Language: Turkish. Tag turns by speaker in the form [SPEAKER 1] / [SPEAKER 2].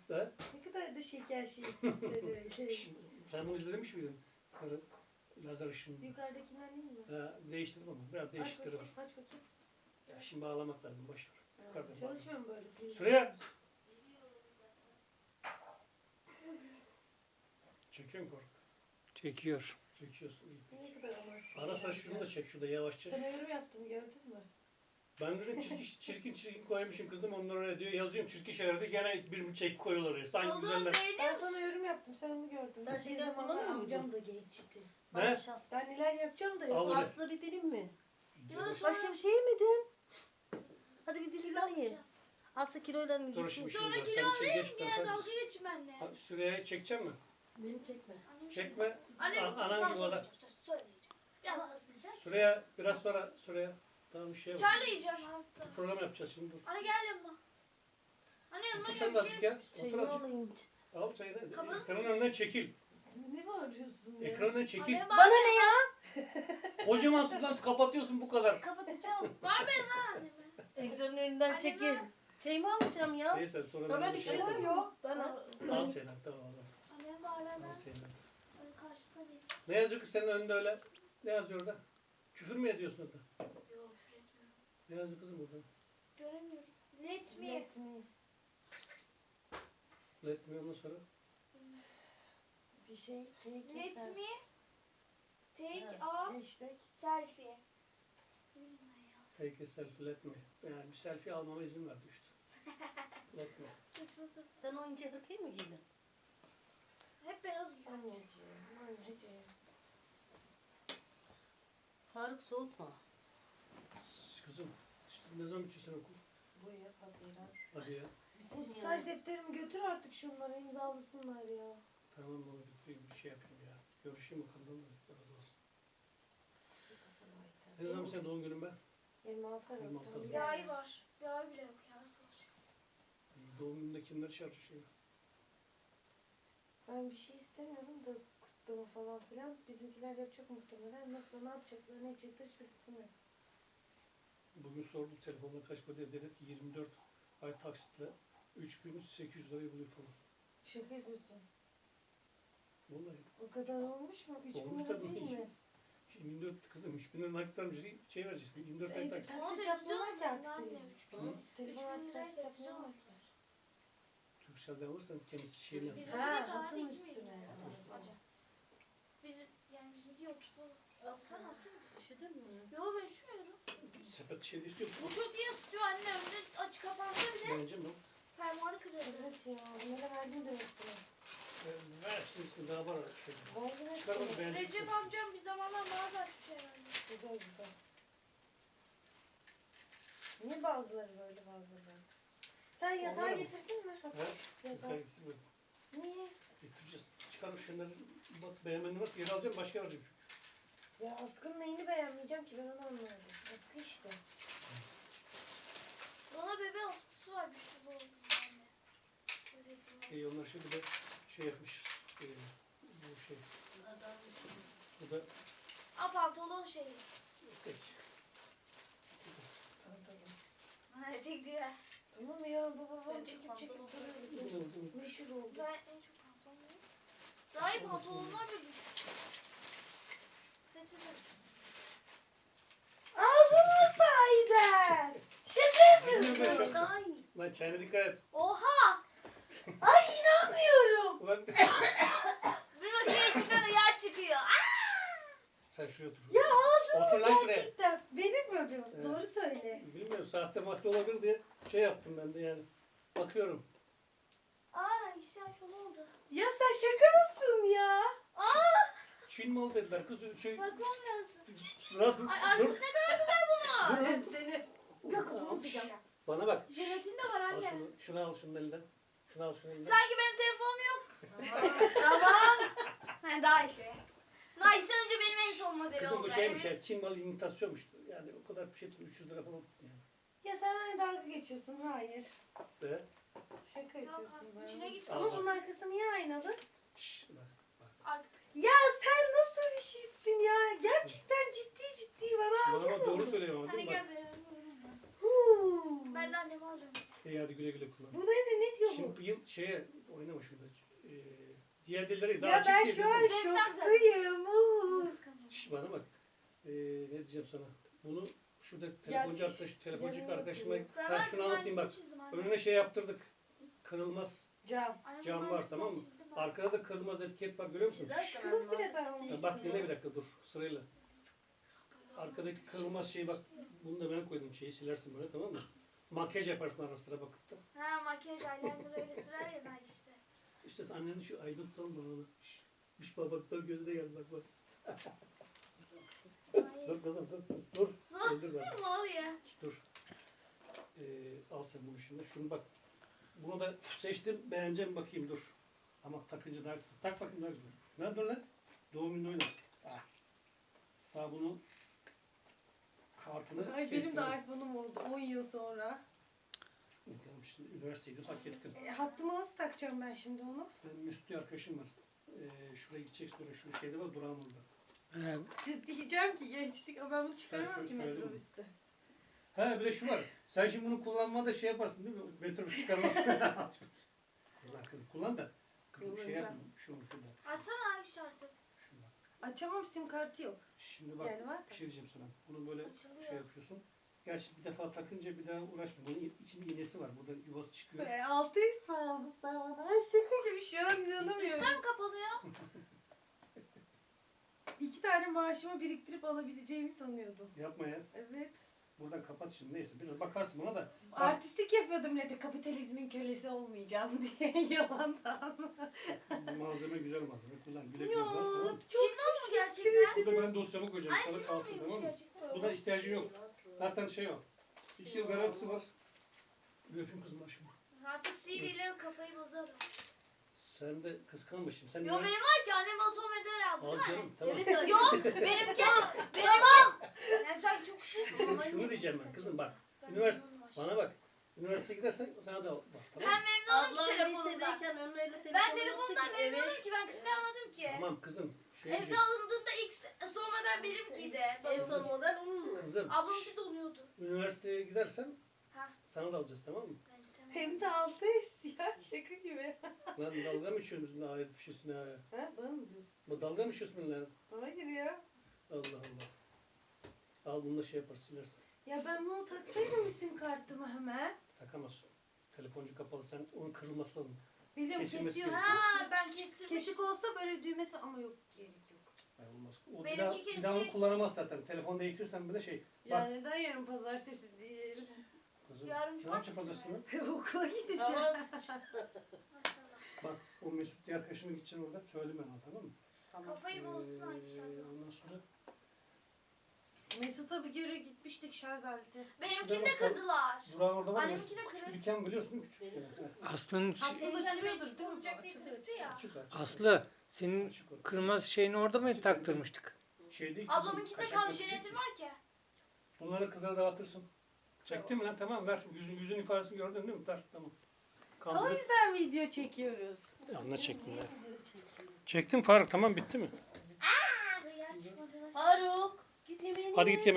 [SPEAKER 1] Ha?
[SPEAKER 2] Ne kadar da şeker şey.
[SPEAKER 1] Sen bunu izlemiş miydin? Karı lazer ışını.
[SPEAKER 2] Yukarıdakinden değil mi?
[SPEAKER 1] Ha, değiştirdim ama biraz
[SPEAKER 2] Aç
[SPEAKER 1] değişikleri
[SPEAKER 2] bakayım,
[SPEAKER 1] var.
[SPEAKER 2] aç bakayım.
[SPEAKER 1] Ya şimdi bağlamak lazım, boş ver. Yukarıdan
[SPEAKER 2] Çalışmıyor mu böyle?
[SPEAKER 1] Süreyya! Çekiyor mu kork?
[SPEAKER 3] Çekiyor.
[SPEAKER 1] Çekiyorsun iyi.
[SPEAKER 2] Ne kadar amaçlı.
[SPEAKER 1] Ara sıra şunu da çek şurada yavaşça.
[SPEAKER 2] Sana yorum yaptım gördün mü?
[SPEAKER 1] Ben dedim çirkin koymuşum kızım onlar oraya diyor. Yazıyorum çirkin şeyler de gene bir çek koyuyorlar oraya. Sanki
[SPEAKER 4] O zaman
[SPEAKER 1] güzeller.
[SPEAKER 4] beğeniyor
[SPEAKER 2] Ben
[SPEAKER 4] musun?
[SPEAKER 2] sana yorum yaptım sen onu gördün.
[SPEAKER 5] Sen
[SPEAKER 2] Bir
[SPEAKER 5] şeker
[SPEAKER 2] zamanlar
[SPEAKER 5] kullanmıyor muydun?
[SPEAKER 2] amcam da geçti.
[SPEAKER 1] Ne?
[SPEAKER 5] Maşallah.
[SPEAKER 2] Ben neler yapacağım da
[SPEAKER 1] Al
[SPEAKER 2] yok.
[SPEAKER 1] bunu.
[SPEAKER 5] Aslı bir dilim mi?
[SPEAKER 4] Yok, sonra-
[SPEAKER 5] Başka bir şey yemedin. Hadi bir dilim daha ye.
[SPEAKER 4] yapacağım.
[SPEAKER 5] Aslı kilolarını
[SPEAKER 1] Dur
[SPEAKER 5] gitsin.
[SPEAKER 1] şimdi
[SPEAKER 4] Sonra
[SPEAKER 1] var.
[SPEAKER 4] kilo
[SPEAKER 1] Sen şey
[SPEAKER 4] alayım
[SPEAKER 1] geç
[SPEAKER 4] gene
[SPEAKER 1] de.
[SPEAKER 4] dalga geçin benimle.
[SPEAKER 1] Süreyya'yı çekecek mi?
[SPEAKER 2] Beni çekme.
[SPEAKER 1] Çekme.
[SPEAKER 4] Anne
[SPEAKER 1] Anan gibi o da.
[SPEAKER 4] söyleyeceğim. Biraz hızlıca.
[SPEAKER 1] Süreyya biraz sonra Süreyya. Tamam bir şey var.
[SPEAKER 4] Çayla yiyeceğim hatta.
[SPEAKER 1] Program yapacağız şimdi dur.
[SPEAKER 4] Anne gel yanıma. Anne yanıma
[SPEAKER 1] Otur
[SPEAKER 4] gel
[SPEAKER 1] sen de
[SPEAKER 4] bir
[SPEAKER 1] azıcık
[SPEAKER 4] şey.
[SPEAKER 1] ya. Otur
[SPEAKER 5] Şeyini
[SPEAKER 1] azıcık.
[SPEAKER 5] alayım.
[SPEAKER 1] Al çayı da.
[SPEAKER 4] Kapalı
[SPEAKER 1] Ekranın önünden çekil.
[SPEAKER 2] Ne bağırıyorsun ya?
[SPEAKER 1] Ekranın önünden çekil.
[SPEAKER 4] Anne
[SPEAKER 5] Bana ne ya?
[SPEAKER 1] Kocaman sudan kapatıyorsun bu kadar.
[SPEAKER 5] Kapatacağım.
[SPEAKER 4] var benim lan anneme.
[SPEAKER 5] Ekranın önünden
[SPEAKER 4] Anne
[SPEAKER 5] çekil.
[SPEAKER 4] ver.
[SPEAKER 5] Çayımı alacağım ya.
[SPEAKER 1] Neyse sonra
[SPEAKER 5] Ben
[SPEAKER 1] ben bir şey
[SPEAKER 5] üşüdüm
[SPEAKER 1] yaparım.
[SPEAKER 5] yok. Ben
[SPEAKER 1] Al çayını tamam al.
[SPEAKER 4] Annem var lan.
[SPEAKER 1] Al çayını.
[SPEAKER 4] Karşısına değil.
[SPEAKER 1] Ne yazıyor ki senin önünde öyle? Ne yazıyor orada? Küfür mü ediyorsun orada?
[SPEAKER 4] Yok küfür etmiyorum.
[SPEAKER 1] Ne yazıyor kızım burada?
[SPEAKER 4] Göremiyorum. Let me.
[SPEAKER 2] Let me.
[SPEAKER 1] Let me ondan sonra.
[SPEAKER 2] Bir şey.
[SPEAKER 4] Let me take
[SPEAKER 2] Ha,
[SPEAKER 4] a
[SPEAKER 2] hashtag.
[SPEAKER 4] selfie.
[SPEAKER 1] Take a selfie let me. Yani bir selfie almama izin verdi işte. Let me.
[SPEAKER 5] Sen o ince hırkayı mı giydin?
[SPEAKER 4] Hep beyaz giyiyor.
[SPEAKER 2] Anneciğim.
[SPEAKER 5] Faruk soğutma.
[SPEAKER 1] Kızım işte ne zaman bitiyor senin okul?
[SPEAKER 2] Bu ya Haziran.
[SPEAKER 1] Hadi ya.
[SPEAKER 2] Bu staj defterimi götür artık şunları imzalasınlar ya.
[SPEAKER 1] Tamam onu bitireyim bir şey yapayım ya. Görüşeyim bakalım da razı olsun. Ne zaman senin doğum günün be?
[SPEAKER 2] 26 Aralık.
[SPEAKER 1] 26 Aralık.
[SPEAKER 4] Bir ay var. Bir ay bile yok ya. Nasıl olacak?
[SPEAKER 1] Doğum gününde kimleri çağırıyor?
[SPEAKER 2] Ben bir şey istemiyorum da kutlama falan filan. Bizimkiler yapacak muhtemelen. Nasıl ne yapacaklar ne edecekler hiçbir fikrim yok.
[SPEAKER 1] Bugün sorduk telefonla kaç para dedi ki 24 ay taksitle 3800 lirayı buluyor falan.
[SPEAKER 2] Şaka yapıyorsun.
[SPEAKER 1] Vallahi.
[SPEAKER 2] O kadar olmuş mu? 3 bin
[SPEAKER 1] Olmuş
[SPEAKER 2] lira
[SPEAKER 1] tabii.
[SPEAKER 2] değil mi?
[SPEAKER 1] 24 kızım 3000 lira nakit varmış şey vereceksin 24 ay taksit.
[SPEAKER 2] Taksit yapmıyorlar ki artık
[SPEAKER 4] Anne,
[SPEAKER 2] telefon.
[SPEAKER 1] Hı?
[SPEAKER 2] Telefon
[SPEAKER 4] 3000
[SPEAKER 2] artık
[SPEAKER 4] liraya
[SPEAKER 2] taksit
[SPEAKER 4] televizyon
[SPEAKER 2] yapmıyorlar
[SPEAKER 4] var.
[SPEAKER 2] ki.
[SPEAKER 1] Turkcell'den alırsan kendisi şeyini
[SPEAKER 4] Bizim
[SPEAKER 1] yapar.
[SPEAKER 2] Ha,
[SPEAKER 4] de daha
[SPEAKER 2] hatın
[SPEAKER 4] değil mi?
[SPEAKER 2] üstüne.
[SPEAKER 4] Acaba. Bizim yani bizimki oturtmalı. Sen nasıl?
[SPEAKER 5] Üşüdün mü?
[SPEAKER 4] Yok ben üşümüyorum.
[SPEAKER 1] Sepet şeyini istiyor musun?
[SPEAKER 4] Bu çok iyi ısıtıyor anne. Önce açık kapansa bile
[SPEAKER 1] Bence mi?
[SPEAKER 4] fermuarı kırıldı.
[SPEAKER 2] Evet ya. Bunlara verdim demek ki.
[SPEAKER 1] Ver hepsini daha var şey.
[SPEAKER 2] Verdim
[SPEAKER 1] Çıkar onu
[SPEAKER 2] hepsini.
[SPEAKER 1] beğenecek
[SPEAKER 4] Recep
[SPEAKER 1] misin?
[SPEAKER 4] amcam bir zamanlar mağaza açmış herhalde.
[SPEAKER 2] Güzel güzel. Niye bazıları böyle bazıları böyle? Sen yatağı
[SPEAKER 1] Onları mı?
[SPEAKER 2] getirdin mi?
[SPEAKER 1] Ha?
[SPEAKER 2] Yatağı.
[SPEAKER 1] Yukarı getirmedim.
[SPEAKER 2] Niye?
[SPEAKER 1] Getireceğiz. Çıkar şunları bak beğenmediğin varsa geri alacağım başka vereceğim çünkü.
[SPEAKER 2] Ya Askı'nın neyini beğenmeyeceğim ki ben onu anlamadım. Askı işte.
[SPEAKER 4] Bana bebe askısı var bir sürü anne. Böyle bir-
[SPEAKER 1] Onlar şimdi de şey yapmış. Bu şey. Bu da
[SPEAKER 4] Aa pantolon şeyi.
[SPEAKER 1] tek.
[SPEAKER 4] Evet güzel.
[SPEAKER 2] Tamam ya bu babam
[SPEAKER 5] Ben
[SPEAKER 2] çekip
[SPEAKER 5] çok
[SPEAKER 2] çekip
[SPEAKER 5] pantolon
[SPEAKER 2] duruyor
[SPEAKER 1] Ne
[SPEAKER 2] bizi.
[SPEAKER 1] oldu?
[SPEAKER 2] Meşhur oldu.
[SPEAKER 4] Ben en çok pantolon ne? Daha iyi pantolonlar da düşük. Sessiz ol.
[SPEAKER 2] Aldın mı sahiden? Şaka
[SPEAKER 1] Bilmiyorum ben
[SPEAKER 2] yapıyorsun.
[SPEAKER 1] şu an.
[SPEAKER 5] Ay.
[SPEAKER 1] Lan çayına dikkat et.
[SPEAKER 4] Oha!
[SPEAKER 2] Ay inanmıyorum.
[SPEAKER 1] Ulan
[SPEAKER 4] Bir makineye çıkan yer çıkıyor.
[SPEAKER 1] sen şuraya otur.
[SPEAKER 2] Ya aldın
[SPEAKER 1] Otur
[SPEAKER 2] mı
[SPEAKER 1] lan şuraya.
[SPEAKER 2] gerçekten? Benim mi bu?
[SPEAKER 1] Evet.
[SPEAKER 2] Doğru söyle.
[SPEAKER 1] Bilmiyorum sahte madde olabilir diye şey yaptım ben de yani. Bakıyorum.
[SPEAKER 4] Aa işte iPhone oldu.
[SPEAKER 2] Ya sen şaka mısın ya?
[SPEAKER 4] Aa!
[SPEAKER 1] Çin malı dediler kız şey.
[SPEAKER 4] Bakmam lazım.
[SPEAKER 1] Dur dur.
[SPEAKER 4] Ay arkası ne kadar güzel bunun.
[SPEAKER 2] Ben seni
[SPEAKER 1] Dur.
[SPEAKER 2] sıcak.
[SPEAKER 1] Bana bak.
[SPEAKER 4] Jelatin de var
[SPEAKER 1] Al
[SPEAKER 4] anne.
[SPEAKER 1] şunu al şunun elinden. Şunu al şunun elinden.
[SPEAKER 4] Sanki benim telefonum yok.
[SPEAKER 2] Tamam.
[SPEAKER 4] He daha iyi. Daha işte önce benim en son modeli
[SPEAKER 1] Kızım
[SPEAKER 4] oldu.
[SPEAKER 1] bu şeymiş
[SPEAKER 4] Evet.
[SPEAKER 1] ya Çin malı imitasyonmuş. Yani o kadar bir şey 300 lira falan yani.
[SPEAKER 2] Ya sen benimle dalga geçiyorsun. Hayır.
[SPEAKER 1] Ve
[SPEAKER 2] Şaka
[SPEAKER 4] Yok,
[SPEAKER 2] yapıyorsun
[SPEAKER 4] içine
[SPEAKER 2] bana.
[SPEAKER 4] git.
[SPEAKER 2] Ama bunun arkası niye aynalı?
[SPEAKER 1] şşş bak.
[SPEAKER 4] Ar-
[SPEAKER 2] Ya sen nasıl bir şeysin ya? Gerçekten ciddi bana
[SPEAKER 1] Bana bak
[SPEAKER 2] anlamıyor
[SPEAKER 1] doğru
[SPEAKER 2] musun?
[SPEAKER 1] söylüyorum ama
[SPEAKER 4] Hadi
[SPEAKER 1] değil mi?
[SPEAKER 4] gel
[SPEAKER 1] Bak.
[SPEAKER 4] beraber oynayalım.
[SPEAKER 2] Huu.
[SPEAKER 4] Ben de annemi alacağım.
[SPEAKER 1] İyi hadi güle güle kullan.
[SPEAKER 2] Bu ne diyor bu?
[SPEAKER 1] Şimdi bakayım şeye oynama şurada. Diğer dilleri daha
[SPEAKER 2] Ya
[SPEAKER 1] açık
[SPEAKER 2] ben
[SPEAKER 1] değil,
[SPEAKER 2] şu an
[SPEAKER 1] değil mi?
[SPEAKER 2] şoktayım.
[SPEAKER 1] Şş, bana bak. Ne diyeceğim sana? Bunu şurada telefoncu
[SPEAKER 2] yanına
[SPEAKER 1] arkadaşıma
[SPEAKER 2] yapıyorum.
[SPEAKER 4] Ben
[SPEAKER 1] ben
[SPEAKER 4] her
[SPEAKER 1] şunu
[SPEAKER 4] gün
[SPEAKER 1] anlatayım bak.
[SPEAKER 4] aynısını çizdim anne.
[SPEAKER 1] Önüne şey yaptırdık. Kırılmaz
[SPEAKER 2] Cam.
[SPEAKER 4] Annem
[SPEAKER 1] cam
[SPEAKER 4] bunun
[SPEAKER 1] var,
[SPEAKER 4] aynısını
[SPEAKER 1] tamam mı?
[SPEAKER 4] çizdim ben.
[SPEAKER 1] Arkada da kırılmaz etiket var, görüyor musun?
[SPEAKER 5] Çizersen
[SPEAKER 2] Kılıf bile
[SPEAKER 5] anlamaz.
[SPEAKER 2] tamam.
[SPEAKER 1] Ya bak dinle bir dakika dur sırayla. Arkadaki kırılmaz şey bak. Bunu da ben koydum, şeyi silersin böyle, tamam mı? Makyaj yaparsın ara sıra bakıp da.
[SPEAKER 4] Ha makyaj eyeliner öyle sürer ya Nay işte.
[SPEAKER 1] İşte annenin şu aydın tutalım bana. Şş babaklar gözü de geldi bak bak.
[SPEAKER 4] Ay.
[SPEAKER 1] Dur kızım dur. Öldür beni.
[SPEAKER 4] Ne oluyor?
[SPEAKER 1] Dur. Al sen bunu şimdi. Şunu bak. Bunu da seçtim. Beğeneceğim bakayım dur. Ama takınca daha güzel. Tak bakayım daha güzel. Ne dur lan? Doğum günü oynarsın. Ah. Daha bunu kartını
[SPEAKER 2] Ay benim
[SPEAKER 1] kestim.
[SPEAKER 2] de iPhone'um oldu 10 yıl sonra.
[SPEAKER 1] Bakalım şimdi üniversiteye gidiyoruz hak ettin.
[SPEAKER 2] Hattımı nasıl takacağım ben şimdi onu?
[SPEAKER 1] Ben Mesut diye arkadaşım var. Şuraya gideceksin oraya. Şu şeyde var durağım orada.
[SPEAKER 2] Diyeceğim ki gençlik ama ben bunu çıkaramam
[SPEAKER 1] şöyle
[SPEAKER 2] ki
[SPEAKER 1] söyledim.
[SPEAKER 2] metrobüste.
[SPEAKER 1] Ha bir de şu var. Sen şimdi bunu kullanmada şey yaparsın değil mi? Metrobüs çıkarmazsın. Allah kızım kullan da. Şey
[SPEAKER 2] Kullanacağım.
[SPEAKER 1] yap. Şunu şurada.
[SPEAKER 4] Açsana abi şartı.
[SPEAKER 1] Şurada.
[SPEAKER 2] Açamam, sim kartı yok.
[SPEAKER 1] Şimdi bak
[SPEAKER 2] Yani var
[SPEAKER 1] bir şey diyeceğim sana. Bunu böyle
[SPEAKER 4] Açılıyor.
[SPEAKER 1] şey yapıyorsun. Gerçi bir defa takınca bir daha uğraşma. Bunun içinde iğnesi var. Burada yuvası çıkıyor.
[SPEAKER 2] 6 ismi aldın sen bana. Ay şaka gibi şu an inanamıyorum.
[SPEAKER 4] Üstten kapanıyor.
[SPEAKER 2] 2 tane maaşımı biriktirip alabileceğimi sanıyordum.
[SPEAKER 1] Yapma ya.
[SPEAKER 2] Evet.
[SPEAKER 1] Buradan kapat şimdi. Neyse biraz bakarsın buna da.
[SPEAKER 2] Artistik yapıyordum millete kapitalizmin kölesi olmayacağım diye yalandan.
[SPEAKER 1] Bu malzeme güzel malzeme. Kullan. Güle güle
[SPEAKER 2] Ya
[SPEAKER 1] kullan. Tamam mı?
[SPEAKER 2] çok
[SPEAKER 4] Şimdi olmuş gerçekten.
[SPEAKER 1] Bu da ben dosyama koyacağım.
[SPEAKER 4] Ay
[SPEAKER 1] Sana
[SPEAKER 4] şimdi
[SPEAKER 1] kalsın
[SPEAKER 4] olmuyormuş
[SPEAKER 1] tamam mı?
[SPEAKER 4] gerçekten.
[SPEAKER 1] Bu da ihtiyacın yok. Zaten şey o. 2 yıl garantisi var. Bir öpeyim kızım başımı.
[SPEAKER 4] Artık CD ile kafayı bozarım.
[SPEAKER 1] Sen de kıskanma şimdi. Sen
[SPEAKER 4] Yo benim var ki annem Asom Eder aldı
[SPEAKER 1] Al
[SPEAKER 4] değil mi?
[SPEAKER 1] canım tamam.
[SPEAKER 5] Evet,
[SPEAKER 4] Yo benimki. Tamam. Yani sen çok
[SPEAKER 1] Şunu diyeceğim ben kızım bak. Üniversite bana bak. Üniversiteye gidersen sana da al. Bak, tamam mı?
[SPEAKER 4] Ben memnunum ki
[SPEAKER 5] Ablam
[SPEAKER 4] telefonumdan.
[SPEAKER 5] lisedeyken önüne telefon
[SPEAKER 4] Ben telefondan
[SPEAKER 5] yoktu ki,
[SPEAKER 4] memnunum
[SPEAKER 5] evet.
[SPEAKER 4] ki ben kıskanmadım ki.
[SPEAKER 1] Tamam kızım. Şey
[SPEAKER 4] Evde
[SPEAKER 1] diyeceğim.
[SPEAKER 4] alındığında ilk sormadan benimkiydi.
[SPEAKER 5] En son model onun mu?
[SPEAKER 1] Kızım.
[SPEAKER 4] Ablamınki de oluyordu.
[SPEAKER 1] Üniversiteye gidersen
[SPEAKER 4] Ha.
[SPEAKER 1] sana da alacağız tamam mı?
[SPEAKER 4] Ben istemem.
[SPEAKER 2] Hem de 6 is ya şaka gibi.
[SPEAKER 1] Lan dalga mı içiyorsun bizimle ayet bir şeysin ha?
[SPEAKER 2] Ha bana mı diyorsun?
[SPEAKER 1] Bu dalga mı içiyorsun benimle?
[SPEAKER 2] Hayır ya.
[SPEAKER 1] Allah Allah. Al bunu da şey yaparsın silersin.
[SPEAKER 2] Ya ben bunu taksaydım sim kartımı hemen.
[SPEAKER 1] Takamazsın. Telefoncu kapalı sen onun kırılması lazım.
[SPEAKER 2] Biliyorum
[SPEAKER 1] Kesilmesi
[SPEAKER 2] kesiyorsun.
[SPEAKER 4] Ha ben kestirmiştim.
[SPEAKER 2] Kesik olsa böyle düğmesi ama yok gerek yok.
[SPEAKER 1] Ay olmaz. O
[SPEAKER 4] Benimki
[SPEAKER 1] bir daha onu
[SPEAKER 4] kesik.
[SPEAKER 1] kullanamaz zaten. Telefon değiştirsen bir de şey.
[SPEAKER 2] Ya
[SPEAKER 1] Bak.
[SPEAKER 2] neden yarın pazartesi değil?
[SPEAKER 1] Kızım,
[SPEAKER 4] Yarın
[SPEAKER 1] ne yapacak
[SPEAKER 4] cumartesi mi?
[SPEAKER 1] pazartesi?
[SPEAKER 2] Okula gideceğim.
[SPEAKER 5] Ama
[SPEAKER 4] Maşallah.
[SPEAKER 1] Bak o Mesut diye arkadaşıma gideceksin orada. Söyle ben ona tamam mı?
[SPEAKER 4] Kafayı bozdun hangi şarkı?
[SPEAKER 1] Ondan sonra
[SPEAKER 2] Mesut'a bir kere gitmiştik şarj aleti.
[SPEAKER 4] Benimkini de kırdılar.
[SPEAKER 1] Burak'ın orada var ya.
[SPEAKER 4] Anneminki de
[SPEAKER 1] Küçük
[SPEAKER 4] kırık.
[SPEAKER 1] dükkan biliyorsun değil mi? Küçük.
[SPEAKER 5] Benim.
[SPEAKER 1] Evet,
[SPEAKER 3] Aslı'nın
[SPEAKER 2] Haksız açılıyordur değil mi?
[SPEAKER 4] Olacak diye
[SPEAKER 2] Açılıyor.
[SPEAKER 4] kırdı ya.
[SPEAKER 1] Açık, açık.
[SPEAKER 3] Aslı senin
[SPEAKER 1] Açık o.
[SPEAKER 3] kırmızı şeyini orada mı taktırmıştık?
[SPEAKER 1] Şey değil.
[SPEAKER 4] Ablamınki de
[SPEAKER 1] kaçak
[SPEAKER 4] kaldı
[SPEAKER 1] basıp
[SPEAKER 4] jelatin
[SPEAKER 1] değil.
[SPEAKER 4] var ki.
[SPEAKER 1] Bunları kızlara dağıtırsın. Çektin mi lan? Tamam ver. Yüzün ifadesini gördün değil mi? Ver. Tamam.
[SPEAKER 2] O
[SPEAKER 1] Kandırıp.
[SPEAKER 2] yüzden video çekiyoruz.
[SPEAKER 1] Anla çektim
[SPEAKER 5] niye
[SPEAKER 1] ya.
[SPEAKER 5] video çekiyor?
[SPEAKER 1] Çektim Faruk tamam bitti mi?
[SPEAKER 4] Hıyar çıkmadı.
[SPEAKER 5] Faruk git yemeğini
[SPEAKER 1] Hadi
[SPEAKER 5] ye.
[SPEAKER 1] git yemeğe.